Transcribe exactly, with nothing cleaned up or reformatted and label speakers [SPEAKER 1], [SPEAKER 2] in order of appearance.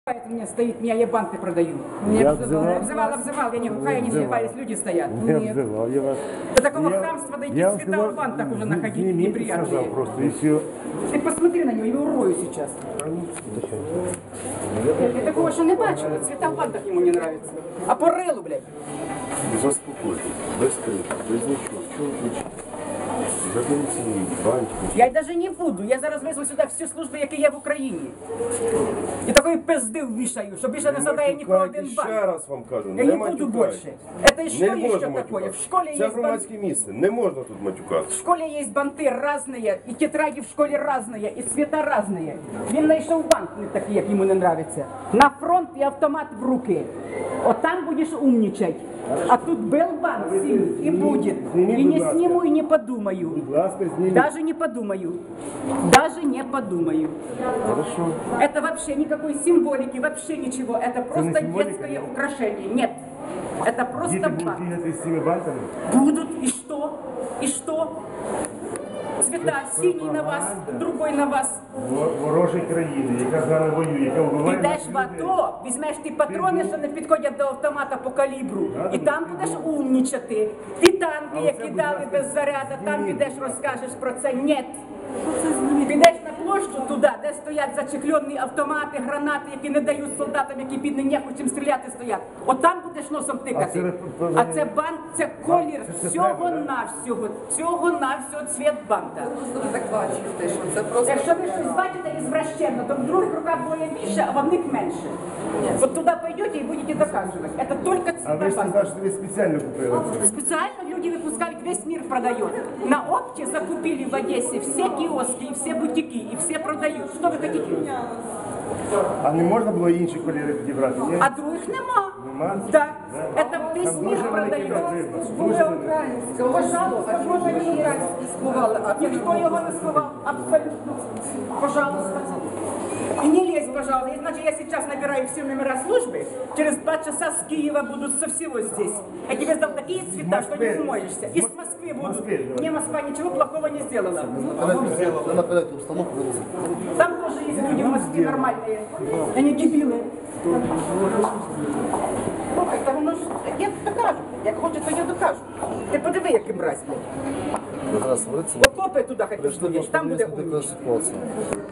[SPEAKER 1] Это у меня стоит, меня я банты продаю. Меня
[SPEAKER 2] Я
[SPEAKER 1] обзывал,
[SPEAKER 2] обзывал.
[SPEAKER 1] обзывал, обзывал, я не глухая, не слепая, люди стоят.
[SPEAKER 2] Я
[SPEAKER 1] Нет.
[SPEAKER 2] обзывал, я вас...
[SPEAKER 1] До такого
[SPEAKER 2] Я-
[SPEAKER 1] хамства дойти,
[SPEAKER 2] я вам
[SPEAKER 1] цвета
[SPEAKER 2] сказал,
[SPEAKER 1] в бантах уже
[SPEAKER 2] не-
[SPEAKER 1] находить
[SPEAKER 2] снимите, сказал
[SPEAKER 1] неприятные.
[SPEAKER 2] просто, и все.
[SPEAKER 1] Ты посмотри на него, я его урою сейчас. Я такого ще не бачила, цвета в бантах ему не нравятся. А по рилу, блядь.
[SPEAKER 3] Заспокойтесь, без криків, без нічого. Чого ви кричите? Заберіть свої банки.
[SPEAKER 1] Я даже не буду, я зараз визву сюди всю службу, які є в Україні. І такої пизди ввішаю, що більше не задає нікого один
[SPEAKER 3] Ще
[SPEAKER 1] банк.
[SPEAKER 3] раз вам кажу,
[SPEAKER 1] Я не буду
[SPEAKER 3] матюкайте.
[SPEAKER 1] больше. Это и что
[SPEAKER 3] Не
[SPEAKER 1] еще
[SPEAKER 3] можна
[SPEAKER 1] такое?
[SPEAKER 3] матюкати.
[SPEAKER 1] В школе
[SPEAKER 3] Це
[SPEAKER 1] есть банты.
[SPEAKER 3] громадське місце, не можна тут матюкати.
[SPEAKER 1] В школе есть банты разные, и тетради в школе разные, и цвета разные. Він знайшов банк не такий, як йому не нравится. На фронт і автомат в руки. От там будеш умничать. А тут был банк синий, и будет. И не сниму, и не подумаю.
[SPEAKER 2] Будь ласка, зніміть.
[SPEAKER 1] Даже не подумаю. Даже не подумаю.
[SPEAKER 2] Хорошо.
[SPEAKER 1] Это вообще никакой символики, вообще ничего. Это просто
[SPEAKER 2] символика?
[SPEAKER 1] детское украшение. Нет. Это просто
[SPEAKER 2] Діти будуть
[SPEAKER 1] банк.
[SPEAKER 2] бігати з цими банками?
[SPEAKER 1] Будут, и что? И что? Цвета, синий на вас, другой на вас.
[SPEAKER 2] Во- Ворожої країни, яка з нами воює, яка вбиває
[SPEAKER 1] Підеш
[SPEAKER 2] наших
[SPEAKER 1] в
[SPEAKER 2] людей.
[SPEAKER 1] АТО, візьмеш ті патрони, що не підходять до автомата по калібру, і там будеш умнічати. Ті танки, які дали без заряду, там підеш розкажеш про це. Ні. Підеш на площу туди, де стоять зачехльонні автомати, гранати, які не дають солдатам, які під нехочем стріляти стоять. От там будеш носом тикати.
[SPEAKER 2] А це-
[SPEAKER 1] А це банк, це колір
[SPEAKER 2] це- це
[SPEAKER 1] всього
[SPEAKER 2] треба, да?
[SPEAKER 1] навсього, всього навсього цвіт банка.
[SPEAKER 4] Так бачите, що це просто.
[SPEAKER 1] Якщо ви щось бачите ізвращенно, то в других руках двоє більше, а в одних менше. Вот туда пойдете и будете доказывать. Это только
[SPEAKER 2] А ви ж
[SPEAKER 1] цвета банка.
[SPEAKER 2] сказали, що ви спеціально купили це.
[SPEAKER 1] Специально люди выпускают, весь мир продает. На опте закупили в Одессе все киоски и все бутики, и все продают. Что вы хотите?
[SPEAKER 2] А не можна було інші кольори підібрати? Ні?
[SPEAKER 1] А других нема.
[SPEAKER 2] Нема?
[SPEAKER 1] Да. Это весь
[SPEAKER 2] Там
[SPEAKER 1] мир
[SPEAKER 2] дуже великий
[SPEAKER 1] продает.
[SPEAKER 2] розрив. Дуже великий.
[SPEAKER 1] Пожалуйста, можно не играть.
[SPEAKER 4] Сховали, а
[SPEAKER 1] Никто его не сховал. Абсолютно. Пожалуйста. И не лезь, пожалуйста. Иначе я сейчас набираю все номера службы. Через два часа с Киева будут со всего здесь. Я тебе сдал такие цвета, что не смоешься. Из Москвы будут.
[SPEAKER 2] Москве, давай.
[SPEAKER 1] Мне Москва ничего плохого не сделала.
[SPEAKER 5] Ви наперед установку винесли.
[SPEAKER 1] Там тоже есть люди в Москве нормальные. Они дебилы. Это воно ж, я докажу. Як хоче, то я докажу. Ти подиви, який мразь.
[SPEAKER 5] Ви зараз говорите,
[SPEAKER 1] Окопи туди хотів,
[SPEAKER 5] прийшли
[SPEAKER 1] будеш, там буде
[SPEAKER 5] просто
[SPEAKER 1] умніше.
[SPEAKER 5] така ситуація.